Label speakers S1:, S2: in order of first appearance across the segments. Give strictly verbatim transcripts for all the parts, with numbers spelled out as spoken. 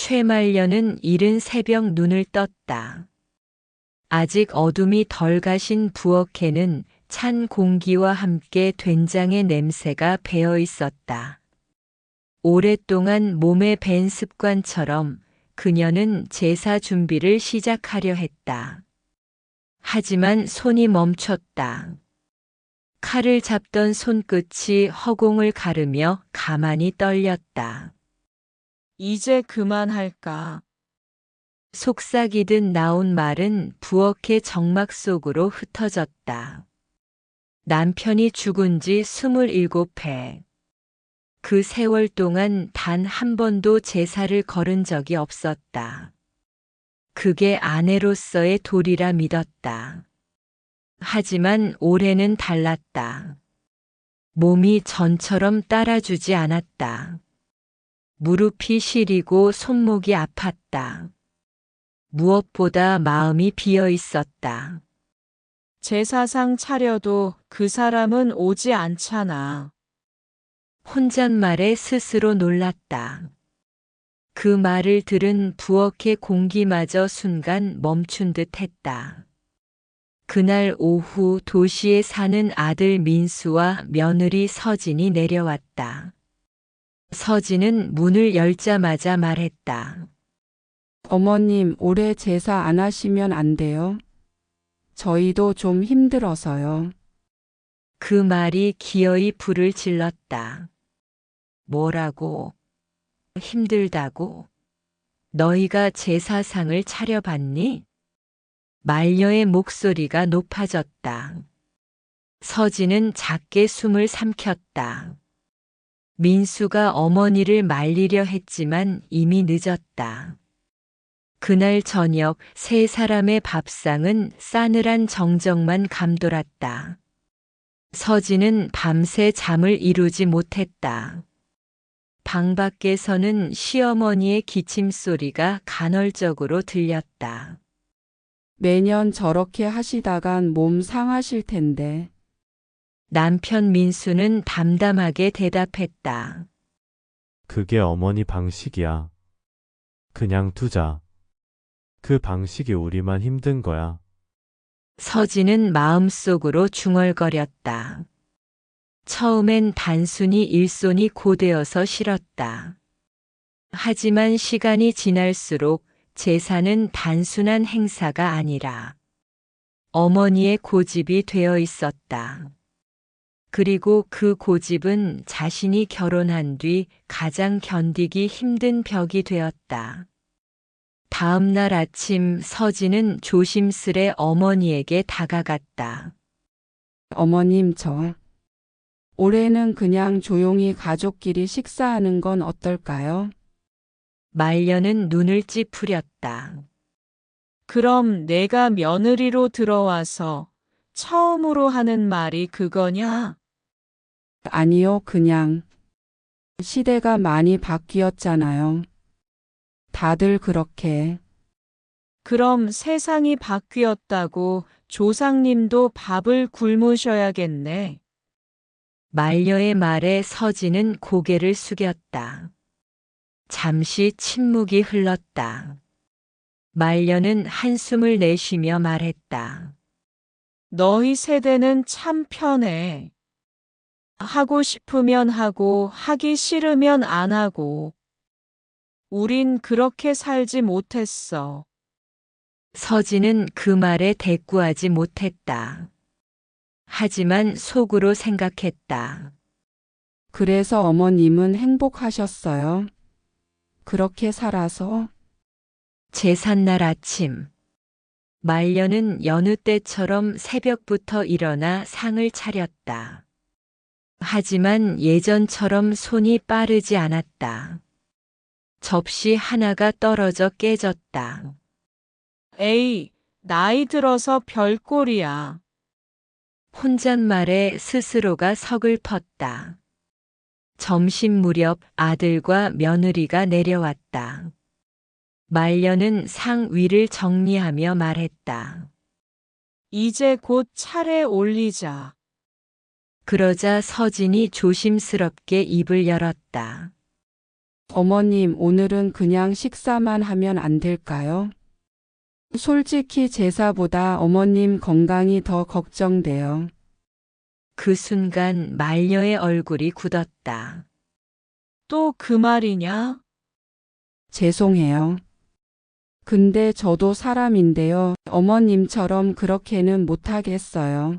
S1: 최말년은 이른 새벽 눈을 떴다. 아직 어둠이 덜 가신 부엌에는 찬 공기와 함께 된장의 냄새가 배어 있었다. 오랫동안 몸에 밴 습관처럼 그녀는 제사 준비를 시작하려 했다. 하지만 손이 멈췄다. 칼을 잡던 손끝이 허공을 가르며 가만히 떨렸다.
S2: 이제 그만할까?
S1: 속삭이듯 나온 말은 부엌의 정막 속으로 흩어졌다. 남편이 죽은 지 스물일곱 해. 그 세월 동안 단 한 번도 제사를 거른 적이 없었다. 그게 아내로서의 도리라 믿었다. 하지만 올해는 달랐다. 몸이 전처럼 따라주지 않았다. 무릎이 시리고 손목이 아팠다. 무엇보다 마음이 비어 있었다.
S2: 제사상 차려도 그 사람은 오지 않잖아.
S1: 혼잣말에 스스로 놀랐다. 그 말을 들은 부엌의 공기마저 순간 멈춘 듯 했다. 그날 오후 도시에 사는 아들 민수와 며느리 서진이 내려왔다. 서진은 문을 열자마자 말했다.
S3: 어머님, 올해 제사 안 하시면 안 돼요? 저희도 좀 힘들어서요.
S1: 그 말이 기어이 불을 질렀다. 뭐라고? 힘들다고? 너희가 제사상을 차려봤니? 말녀의 목소리가 높아졌다. 서진은 작게 숨을 삼켰다. 민수가 어머니를 말리려 했지만 이미 늦었다. 그날 저녁 세 사람의 밥상은 싸늘한 정적만 감돌았다. 서진은 밤새 잠을 이루지 못했다. 방 밖에서는 시어머니의 기침 소리가 간헐적으로 들렸다.
S3: 매년 저렇게 하시다간 몸 상하실 텐데.
S1: 남편 민수는 담담하게 대답했다.
S4: 그게 어머니 방식이야. 그냥 두자. 그 방식이 우리만 힘든 거야.
S1: 서진은 마음속으로 중얼거렸다. 처음엔 단순히 일손이 고되어서 싫었다. 하지만 시간이 지날수록 제사는 단순한 행사가 아니라 어머니의 고집이 되어 있었다. 그리고 그 고집은 자신이 결혼한 뒤 가장 견디기 힘든 벽이 되었다. 다음 날 아침 서진은 조심스레 어머니에게 다가갔다.
S3: 어머님, 저 올해는 그냥 조용히 가족끼리 식사하는 건 어떨까요?
S1: 말년은 눈을 찌푸렸다.
S2: 그럼 내가 며느리로 들어와서 처음으로 하는 말이 그거냐?
S3: 아니요, 그냥. 시대가 많이 바뀌었잖아요. 다들 그렇게.
S2: 그럼 세상이 바뀌었다고 조상님도 밥을 굶으셔야겠네.
S1: 말녀의 말에 서진은 고개를 숙였다. 잠시 침묵이 흘렀다. 말년은 한숨을 내쉬며 말했다.
S2: 너희 세대는 참 편해. 하고 싶으면 하고 하기 싫으면 안 하고. 우린 그렇게 살지 못했어.
S1: 서진은 그 말에 대꾸하지 못했다. 하지만 속으로 생각했다.
S3: 그래서 어머님은 행복하셨어요. 그렇게 살아서.
S1: 제삿날 아침. 말년은 여느 때처럼 새벽부터 일어나 상을 차렸다. 하지만 예전처럼 손이 빠르지 않았다. 접시 하나가 떨어져 깨졌다.
S2: 에이, 나이 들어서 별꼴이야.
S1: 혼잣말에 스스로가 서글펐다. 점심 무렵 아들과 며느리가 내려왔다. 말년은 상 위를 정리하며 말했다.
S2: 이제 곧 차례 올리자.
S1: 그러자 서진이 조심스럽게 입을 열었다.
S3: 어머님, 오늘은 그냥 식사만 하면 안 될까요? 솔직히 제사보다 어머님 건강이 더 걱정돼요.
S1: 그 순간 말녀의 얼굴이 굳었다.
S2: 또 그 말이냐?
S3: 죄송해요. 근데 저도 사람인데요. 어머님처럼 그렇게는 못하겠어요.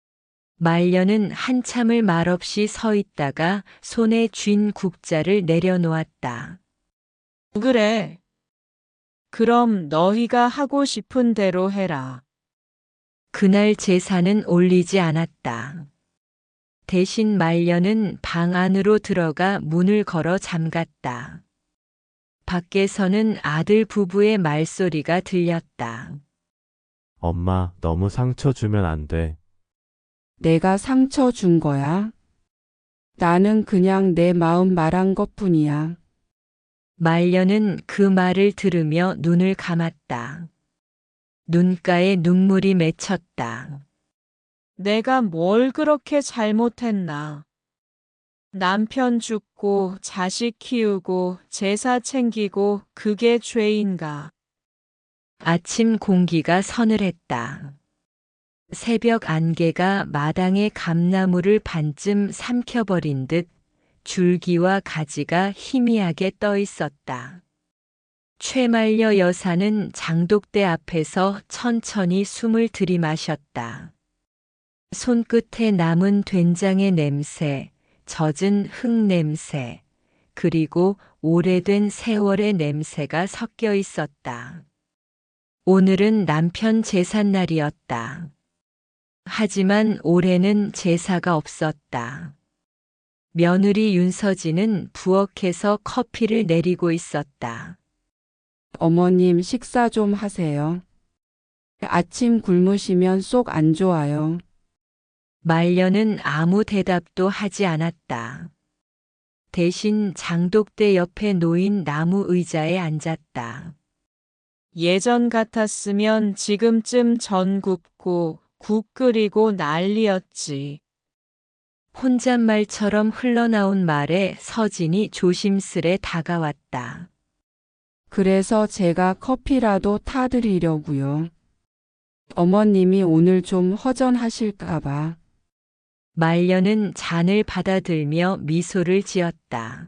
S1: 말년은 한참을 말없이 서 있다가 손에 쥔 국자를 내려놓았다.
S2: 그래. 그럼 너희가 하고 싶은 대로 해라.
S1: 그날 제사는 올리지 않았다. 대신 말년은 방 안으로 들어가 문을 걸어 잠갔다. 밖에서는 아들 부부의 말소리가 들렸다.
S4: 엄마, 너무 상처 주면 안 돼.
S3: 내가 상처 준 거야? 나는 그냥 내 마음 말한 것뿐이야.
S1: 말년은 그 말을 들으며 눈을 감았다. 눈가에 눈물이 맺혔다.
S2: 내가 뭘 그렇게 잘못했나? 남편 죽고 자식 키우고 제사 챙기고 그게 죄인가?
S1: 아침 공기가 서늘했다. 새벽 안개가 마당의 감나무를 반쯤 삼켜버린 듯 줄기와 가지가 희미하게 떠 있었다. 최말려 여사는 장독대 앞에서 천천히 숨을 들이마셨다. 손끝에 남은 된장의 냄새, 젖은 흙 냄새, 그리고 오래된 세월의 냄새가 섞여 있었다. 오늘은 남편 제삿날이었다. 하지만 올해는 제사가 없었다. 며느리 윤서진은 부엌에서 커피를 내리고 있었다.
S3: 어머님, 식사 좀 하세요. 아침 굶으시면 속 안 좋아요.
S1: 말년은 아무 대답도 하지 않았다. 대신 장독대 옆에 놓인 나무 의자에 앉았다.
S2: 예전 같았으면 지금쯤 전 굽고 국 끓이고 난리였지.
S1: 혼잣말처럼 흘러나온 말에 서진이 조심스레 다가왔다.
S3: 그래서 제가 커피라도 타드리려고요. 어머님이 오늘 좀 허전하실까봐.
S1: 말년은 잔을 받아들며 미소를 지었다.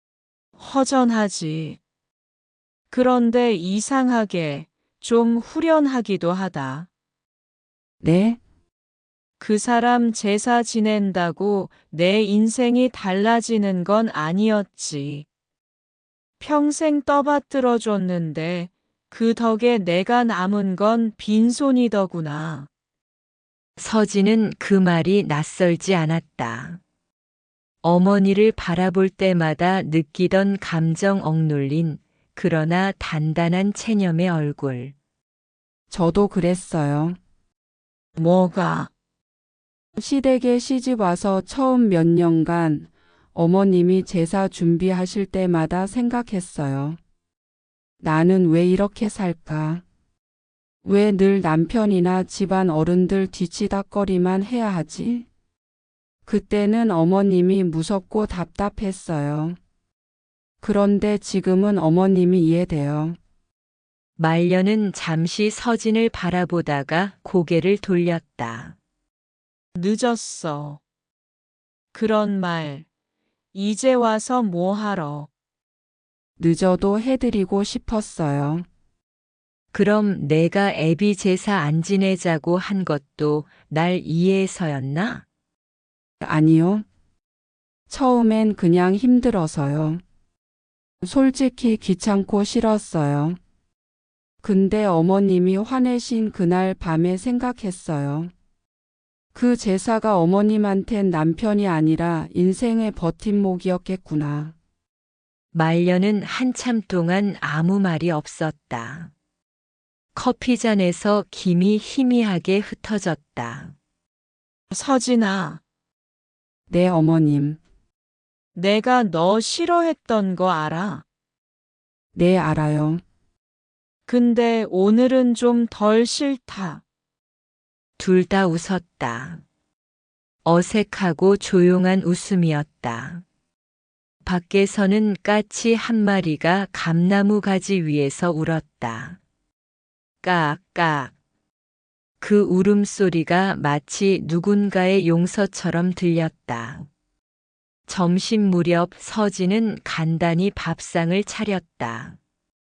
S2: 허전하지. 그런데 이상하게 좀 후련하기도 하다.
S3: 네?
S2: 그 사람 제사 지낸다고 내 인생이 달라지는 건 아니었지. 평생 떠받들어 줬는데 그 덕에 내가 남은 건 빈손이더구나.
S1: 서진은 그 말이 낯설지 않았다. 어머니를 바라볼 때마다 느끼던 감정 억눌린 그러나 단단한 체념의 얼굴.
S3: 저도 그랬어요.
S2: 뭐가?
S3: 시댁에 시집 와서 처음 몇 년간 어머님이 제사 준비하실 때마다 생각했어요. 나는 왜 이렇게 살까? 왜 늘 남편이나 집안 어른들 뒤치다꺼리만 해야 하지? 그때는 어머님이 무섭고 답답했어요. 그런데 지금은 어머님이 이해돼요.
S1: 말년은 잠시 서진을 바라보다가 고개를 돌렸다.
S2: 늦었어. 그런 말, 이제 와서 뭐 하러?
S3: 늦어도 해드리고 싶었어요.
S1: 그럼 내가 애비 제사 안 지내자고 한 것도 날 이해해서였나?
S3: 아니요. 처음엔 그냥 힘들어서요. 솔직히 귀찮고 싫었어요. 근데 어머님이 화내신 그날 밤에 생각했어요. 그 제사가 어머님한텐 남편이 아니라 인생의 버팀목이었겠구나.
S1: 말년은 한참 동안 아무 말이 없었다. 커피잔에서 김이 희미하게 흩어졌다.
S2: 서진아,
S3: 네, 어머님.
S2: 내가 너 싫어했던 거 알아?
S3: 네, 알아요.
S2: 근데 오늘은 좀 덜 싫다.
S1: 둘 다 웃었다. 어색하고 조용한 웃음이었다. 밖에서는 까치 한 마리가 감나무 가지 위에서 울었다. 깍깍. 그 울음소리가 마치 누군가의 용서처럼 들렸다. 점심 무렵 서진은 간단히 밥상을 차렸다.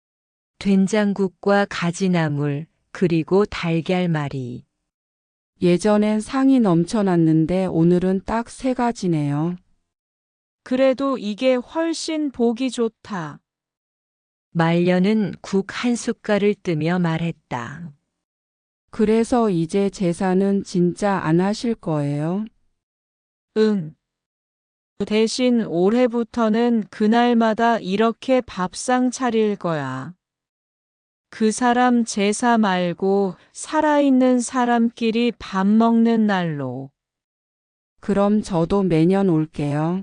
S1: 된장국과 가지나물, 그리고 달걀말이.
S3: 예전엔 상이 넘쳐났는데 오늘은 딱 세 가지네요.
S2: 그래도 이게 훨씬 보기 좋다.
S1: 말년은 국 한 숟갈을 뜨며 말했다.
S3: 그래서 이제 제사는 진짜 안 하실 거예요?
S2: 응. 대신 올해부터는 그날마다 이렇게 밥상 차릴 거야. 그 사람 제사 말고 살아있는 사람끼리 밥 먹는 날로.
S3: 그럼 저도 매년 올게요.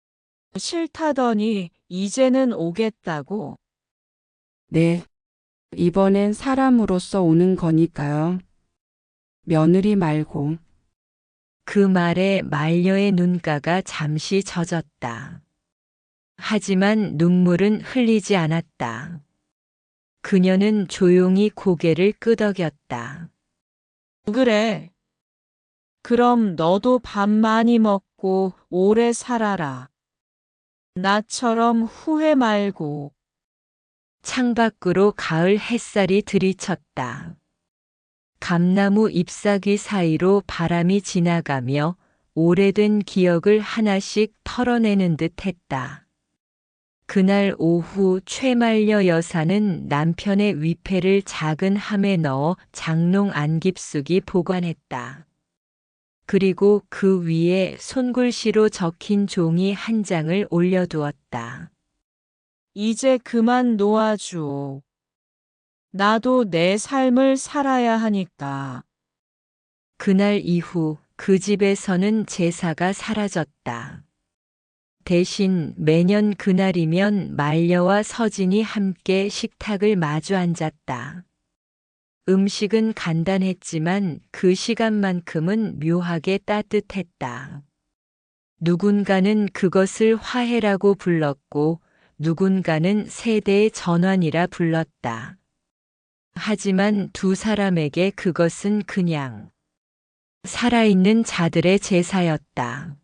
S2: 싫다더니 이제는 오겠다고.
S3: 네. 이번엔 사람으로서 오는 거니까요. 며느리 말고.
S1: 그 말에 말녀의 눈가가 잠시 젖었다. 하지만 눈물은 흘리지 않았다. 그녀는 조용히 고개를 끄덕였다.
S2: 그래. 그럼 너도 밥 많이 먹고 오래 살아라. 나처럼 후회 말고.
S1: 창밖으로 가을 햇살이 들이쳤다. 감나무 잎사귀 사이로 바람이 지나가며 오래된 기억을 하나씩 털어내는 듯 했다. 그날 오후 최말려 여사는 남편의 위패를 작은 함에 넣어 장롱 안 깊숙이 보관했다. 그리고 그 위에 손글씨로 적힌 종이 한 장을 올려두었다.
S2: 이제 그만 놓아줘. 나도 내 삶을 살아야 하니까.
S1: 그날 이후 그 집에서는 제사가 사라졌다. 대신 매년 그날이면 말려와 서진이 함께 식탁을 마주 앉았다. 음식은 간단했지만 그 시간만큼은 묘하게 따뜻했다. 누군가는 그것을 화해라고 불렀고 누군가는 세대의 전환이라 불렀다. 하지만 두 사람에게 그것은 그냥 살아있는 자들의 제사였다.